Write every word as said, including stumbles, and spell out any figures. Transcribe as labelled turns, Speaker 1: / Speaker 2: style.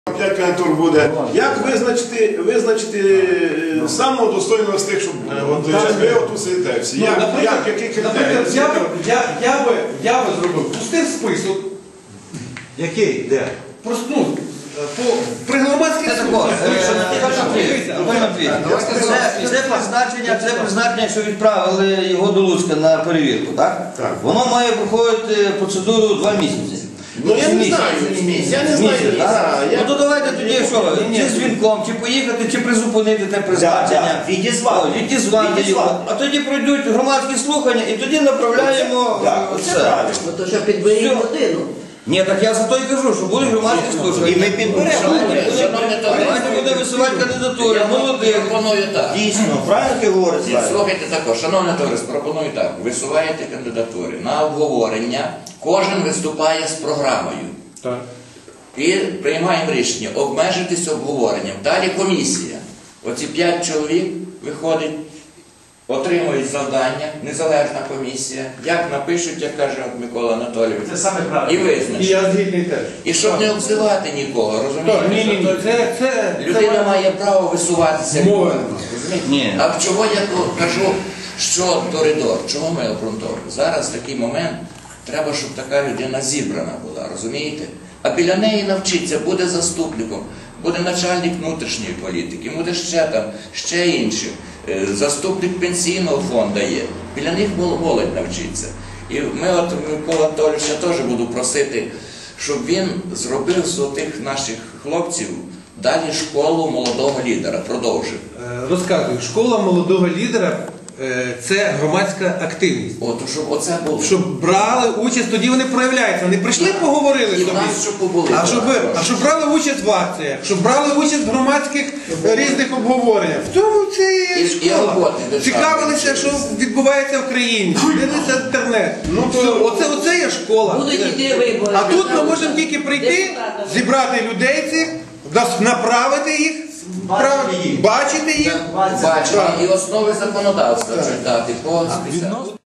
Speaker 1: п'ять кандидатур буде. Як визначити, визначити самого достойного з тих, щоб от, ви отут сидите всі? Як,
Speaker 2: Ну,
Speaker 1: як, які критерії?
Speaker 2: Я, я, я, би, я би зробив пустив список.
Speaker 3: Який? Де?
Speaker 2: Просто, ну, по, при громадських слуханнях.
Speaker 4: Це призначення, це призначення, що відправили його до Луцька на перевірку, так?
Speaker 1: Так.
Speaker 4: Воно має проходити процедуру два місяці.
Speaker 1: Ну я не знаю, я не знаю.
Speaker 4: Ну то давайте тоді що, чи з дзвінком, чи поїхати, чи призупинити те призначення.
Speaker 3: Відізвати.
Speaker 4: Відізвати його. А тоді пройдуть громадські слухання і тоді направляємо все.
Speaker 5: Ну то що підберіть людину.
Speaker 4: Ні, так я за то і кажу, що будуть громадські слухання.
Speaker 3: І ми підберемо.
Speaker 4: Давайте буде висувати кандидатури, молодих.
Speaker 6: Пропоную так.
Speaker 3: Дійсно, правильно ти говориш?
Speaker 6: Слухайте також, шановне товариство, пропоную так. Висуваєте кандидатури на обговорення, кожен виступає з програмою.
Speaker 2: Так.
Speaker 6: І приймаємо рішення обмежитись обговоренням. Далі комісія. Оці п'ять чоловік виходить, отримують завдання, незалежна комісія. Як напишуть, як каже Микола Анатолійович.
Speaker 2: Це саме правильно.
Speaker 6: І
Speaker 2: І
Speaker 6: визначать.
Speaker 2: я згідний теж.
Speaker 6: І щоб не обзивати нікого, розумієте?
Speaker 2: Ні, ні, ні, це, це,
Speaker 6: Людина
Speaker 2: це
Speaker 6: має право висуватися.
Speaker 2: Мови.
Speaker 6: Розумієте?
Speaker 4: Ні.
Speaker 6: А чого я тут кажу, що коридор? Чого ми обґрунтовуємо? Зараз такий момент, треба, щоб така людина зібрана була, розумієте? А біля неї навчиться, буде заступником, буде начальник внутрішньої політики, буде ще там, ще інших. Е, Заступник пенсійного фонду є. Біля них молодь навчиться. І ми от Микола Анатолійовича теж буду просити, щоб він зробив з тих наших хлопців далі школу молодого лідера, продовжив.
Speaker 2: Е, Розказую, школа молодого лідера е, – це громадська активність.
Speaker 6: От, щоб оце було.
Speaker 2: Щоб брали участь, тоді вони проявляються. Вони прийшли, поговорили
Speaker 6: І в
Speaker 2: собі.
Speaker 6: нас, щоб побули.
Speaker 2: А щоб, а щоб брали участь в акціях, щоб брали участь в громадських е, різних обговореннях. В цьому це
Speaker 6: І-
Speaker 2: є
Speaker 6: і
Speaker 2: школа.
Speaker 6: роботи державної.
Speaker 2: Цікавилися, що відбувається в країні. Дивилися інтернет. Ну, то, оце, оце є школа.
Speaker 5: Будуть йти вибори.
Speaker 2: А тут ми можемо тільки прийти,
Speaker 5: Депутатами.
Speaker 2: зібрати людей цих, нас- направити їх, прав-
Speaker 3: їх.
Speaker 2: бачити їх.
Speaker 6: Бачення і основи законодавства читати по спеціальності.